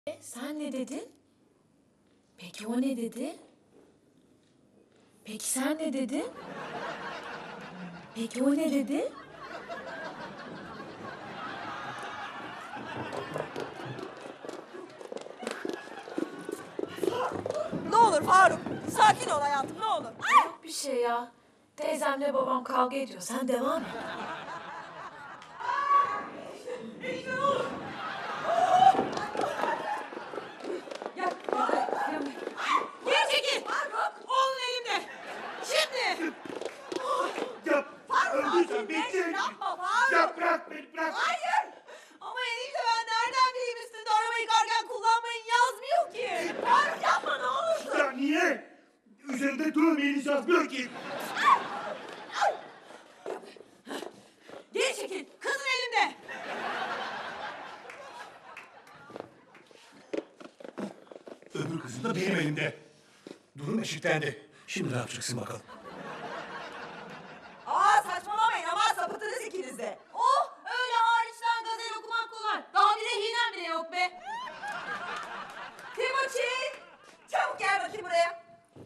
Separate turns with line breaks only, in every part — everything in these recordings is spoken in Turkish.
Sen ne dedin? Peki o ne dedi? Peki sen ne dedin? Peki o ne dedi?
Ne olur Faruk, sakin ol hayatım, ne olur.
Yok bir şey ya. Teyzemle babam kavga ediyor. Sen devam et.
Geri çekil! Faruk! Oğlun elimde! Şimdi!
Yap! Öldüysen
Sakinleş,
bitti!
yapma Faruk!
Ya bırak beni bırak!
Hayır! Ama enişte ben nereden bileyim üstünde araba yıkarken kullanmayın yazmıyor ki! Faruk yapma ne olursun!
Ya niye? Üzerinde dövmeyiniz yazmıyor ki!
Geri çekil! Kızın elimde!
Öbür kızın da benim elimde. Durum eşitlendi. Şimdi ne yapacaksın bakalım?
Aa saçmalamayın ama sapıtırız ikiniz de. Oh öyle hariçten gazel okumak kolay. Daha bir rehinem bile yok be. Timuçin! Çabuk gel bakayım buraya.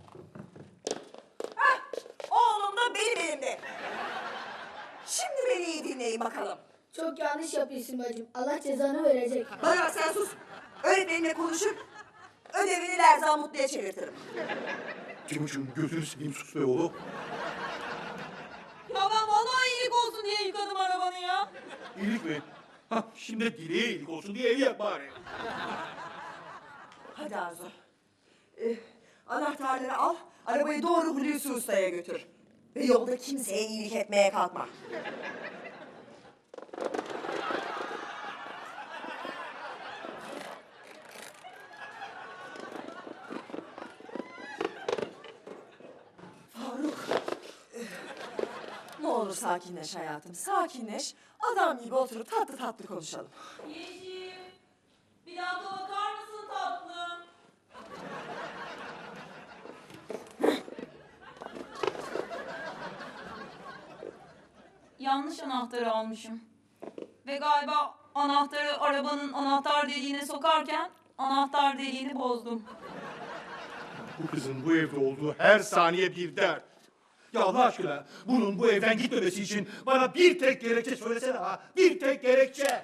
Hah, oğlum da benim elimde. Şimdi beni iyi dinleyin bakalım.
Çok yanlış yapıyorsun bacım. Allah cezanı verecek.
Bana bak sen sus. Öğretmenimle konuşup ödevini Lerzan Mutlu'ya çevirtirim.
Timuçin gözünü seveyim sus be oğlum.
Ya ben vallahi iyilik olsun diye yıkadım arabanı ya.
İyilik mi? Hah şimdi dileğe iyilik olsun diye evi yak bari.
Hadi Arzu. Anahtarları al, arabayı doğru Hulusi Usta'ya götür. Ve yolda kimseye iyilik etmeye kalkma. Faruk. Ne olur sakinleş hayatım, sakinleş. Adam gibi oturup tatlı tatlı konuşalım.
Yeşim, bir dakika bakar mısın tatlım? Yanlış anahtarı almışım. Ve galiba anahtarı arabanın anahtar deliğine sokarken anahtar deliğini bozdum.
Bu kızın bu evde olduğu her saniye bir dert. Ya Allah aşkına bunun bu evden gitmemesi için bana bir tek gerekçe söylesene ha. Bir tek gerekçe.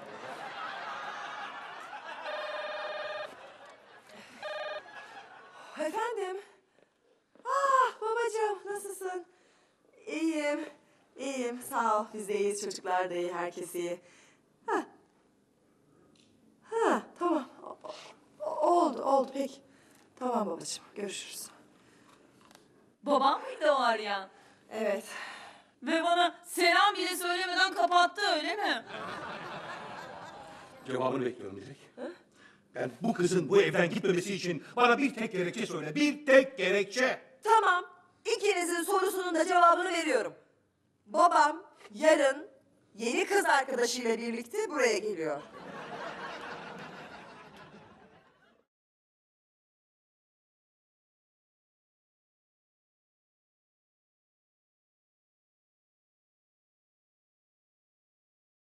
Efendim? Ah babacığım nasılsın? İyiyim. İyiyim sağ ol. Biz de iyiyiz çocuklar da iyi herkes iyi. Ha. Ha tamam. Oldu peki. Tamam babacığım görüşürüz.
Babam mıydı o arayan?
Evet.
Ve bana selam bile söylemeden kapattı öyle mi?
Cevabını bekliyorum Dilek. Ben bu kızın bu evden gitmemesi için bana bir tek gerekçe söyle. Bir tek gerekçe.
Tamam. İkinizin sorusunun da cevabını veriyorum. Babam yarın yeni kız arkadaşıyla birlikte buraya geliyor.